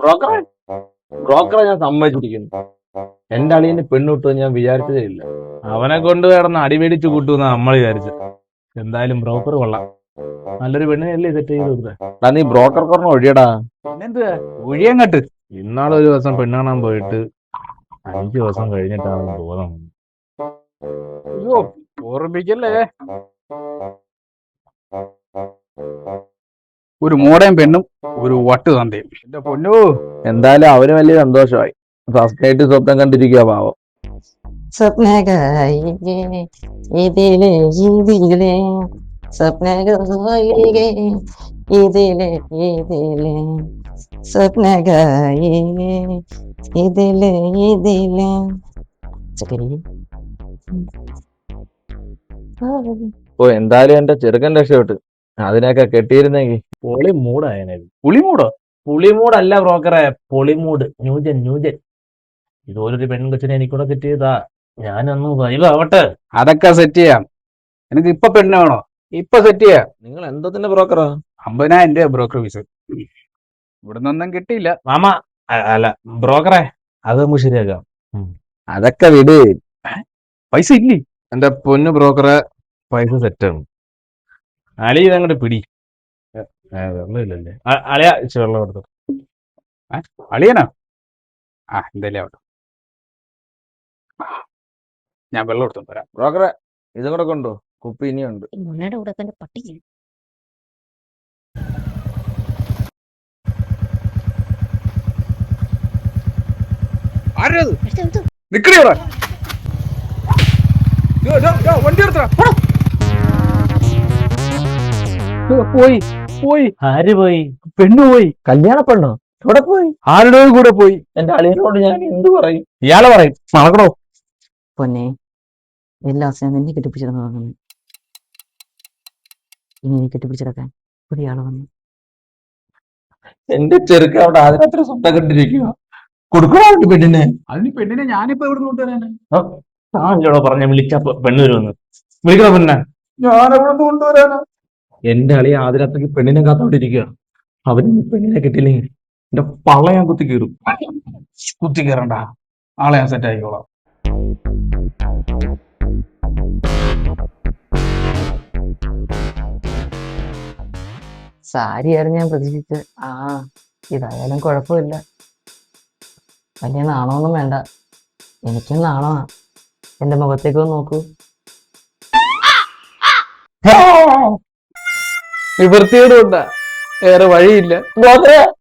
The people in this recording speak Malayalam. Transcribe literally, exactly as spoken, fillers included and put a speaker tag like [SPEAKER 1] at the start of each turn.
[SPEAKER 1] ബ്രോക്കറെ ബ്രോക്കറെ ഞാൻ സമ്മതിച്ചിരിക്കുന്നു. എന്റെ അളിയന് പെണ്ണുകിട്ടുമെന്ന് ഞാൻ വിചാരിച്ചതേ ഇല്ല.
[SPEAKER 2] അവനെ കൊണ്ട് കിടന്ന് അടിമേടിച്ച് കൂട്ടുന്ന നമ്മൾ വിചാരിച്ചു. എന്തായാലും ബ്രോക്കർ കൊള്ളാം. നല്ലൊരു പെണ്ണിനല്ലേ സെറ്റ് ചെയ്ത് കൊടുത്തേ.
[SPEAKER 1] നീ ബ്രോക്കർ പറഞ്ഞ ഒഴിയടാ.
[SPEAKER 2] പിന്നെന്തുവാ ഒഴിയങ്ങട്ട്. ഇന്നാളൊരു ദിവസം പെണ്ണ് കാണാൻ പോയിട്ട് അഞ്ചു ദിവസം കഴിഞ്ഞിട്ടാണ് ബോധം. അയ്യോ ഓർമ്മിക്കല്ലേ. ഒരു മോടയും പെണ്ണും ഒരു വട്ട് തന്തയും. എന്റെ പൊന്നു,
[SPEAKER 1] എന്തായാലും അവന് വലിയ സന്തോഷമായി. ഫസ്റ്റ് നൈറ്റ് സ്വപ്നം കണ്ടിരിക്കുക പാവം.
[SPEAKER 3] സ്വപ്നകായികേ ഇതിലെ ഇതിലെ സ്വപ്നകായികേ ഇതിലെ ഇതിലെ സ്വപ്നകായികേ ഇതിലെ ഇതിലെ ചക്കരി.
[SPEAKER 1] ഓ എന്തായാലും എന്റെ ചെറുക്കൻ രക്ഷപ്പെട്ട്. അതിനൊക്കെ കെട്ടിയിരുന്നെങ്കിൽ
[SPEAKER 2] പൊളി മൂടായനെ. പുളിമൂടോ? പുളിമൂടല്ല ബ്രോക്കറെ, പൊളിമൂട്. New gen new gen. ഇതുപോലൊരു പെൺകൊച്ചിനെ എനിക്കൂടെ സെറ്റ് ചെയ്താ ഞാനൊന്ന് വൈവാവട്ടെ. അതൊക്കെ സെറ്റ് ചെയ്യാം. എനിക്ക് ഇപ്പൊ പെണ്ണ് വേണോ? ഇപ്പൊ സെറ്റ് ചെയ്യാം.
[SPEAKER 1] നിങ്ങൾ എന്തത്തിന്റെ ബ്രോക്കറാ?
[SPEAKER 2] അമ്പതിനായിരം രൂപ ബ്രോക്കർ ഫീസ്. ഇവിടെ നിന്നൊന്നും കിട്ടിയില്ല മാമ. അ- അല്ല ബ്രോക്കറെ, അത് നമുക്ക് ശരിയാക്കാം.
[SPEAKER 1] അതൊക്കെ വിട്.
[SPEAKER 2] പൈസ ഇല്ലേ? എന്റെ പൊന്നു ബ്രോക്കറെ, പൈസ സെറ്റാണ്. അളി ഇതങ്ങോട്ട് പിടി. ഏ, ഏ, വെള്ളമില്ലല്ലേ? അ- അളിയാ ഇച്ചിരി വെള്ളം എടുത്തു. ഏ, അളിയനാ? ആ എന്തായാലും ആവട്ടെ. ഞാൻ വെള്ളം എടുത്തു തരാം.
[SPEAKER 1] ബ്രോക്കറെ ഇതും കൂടെ കൊണ്ടോ, കുപ്പി ഇനിയുണ്ട്.
[SPEAKER 3] മുന്നയുടെ കൂടെ തന്നെ പട്ടി
[SPEAKER 2] ആരത്? നിക്കടി അവിടെ. ദോ, ദോ, ദോ, വണ്ടി എടുത്തോ. പോയി പോയി.
[SPEAKER 1] ആര് പോയി?
[SPEAKER 2] പെണ്ണു പോയി.
[SPEAKER 1] കല്യാണ പെണ്ണോ? ഇവിടെ പോയി.
[SPEAKER 2] ആരുടെ കൂടെ പോയി?
[SPEAKER 1] എന്റെ അളിയനോട് ഞാൻ എന്ത് പറയും?
[SPEAKER 2] ഇയാളെ പറയും. നടക്കണോ?
[SPEAKER 3] പൊന്നെ എല്ലാ ദിവസവും നിന്നെ കെട്ടിപ്പിടിച്ചിരുന്നു തോന്നുന്നു. ഇനി നീ കെട്ടിപ്പിടിച്ചിടക്കാൻ പുതിയ ആള് വന്നു.
[SPEAKER 1] എന്റെ ചെറുക്കൻ അവിടെ അതിനത്ര സ്വപ്നം കണ്ടിരിക്കുക. കൊടുക്കണോ പെണ്ണിനെ?
[SPEAKER 2] അതിന് പെണ്ണിനെ ഞാനിപ്പോ എവിടെ കൊണ്ടുവരാനാ?
[SPEAKER 1] താനല്ലോടോ പറഞ്ഞ വിളിച്ച പെണ്ണ് വരുമെന്ന്. വിളിക്കണോ പെണ്ണെ?
[SPEAKER 2] ഞാൻ എവിടെ കൊണ്ടുവരാനാ?
[SPEAKER 1] എന്റെ അളിയ ആദ്യരാത്രിക്ക് പെണ്ണിനെ കാത്തോണ്ടിരിക്കുക. അവന് ഈ പെണ്ണിനെ കിട്ടിയില്ലെങ്കിൽ എന്റെ പള്ള ഞാൻ കുത്തി കീറും.
[SPEAKER 2] കുത്തി കയറണ്ട, ആളെ ഞാൻ സെറ്റ് ആയിക്കോളാം.
[SPEAKER 3] സാരിയായിരുന്നു ഞാൻ പ്രതീക്ഷിച്ചത്. ആ ഇതായാലും കുഴപ്പമില്ല. വലിയ നാണമൊന്നും വേണ്ട. എനിക്കും നാണമാ. എന്റെ മുഖത്തേക്ക് ഒന്ന് നോക്കൂ.
[SPEAKER 1] നിവൃത്തിയോടുണ്ടാ, വേറെ വഴിയില്ല.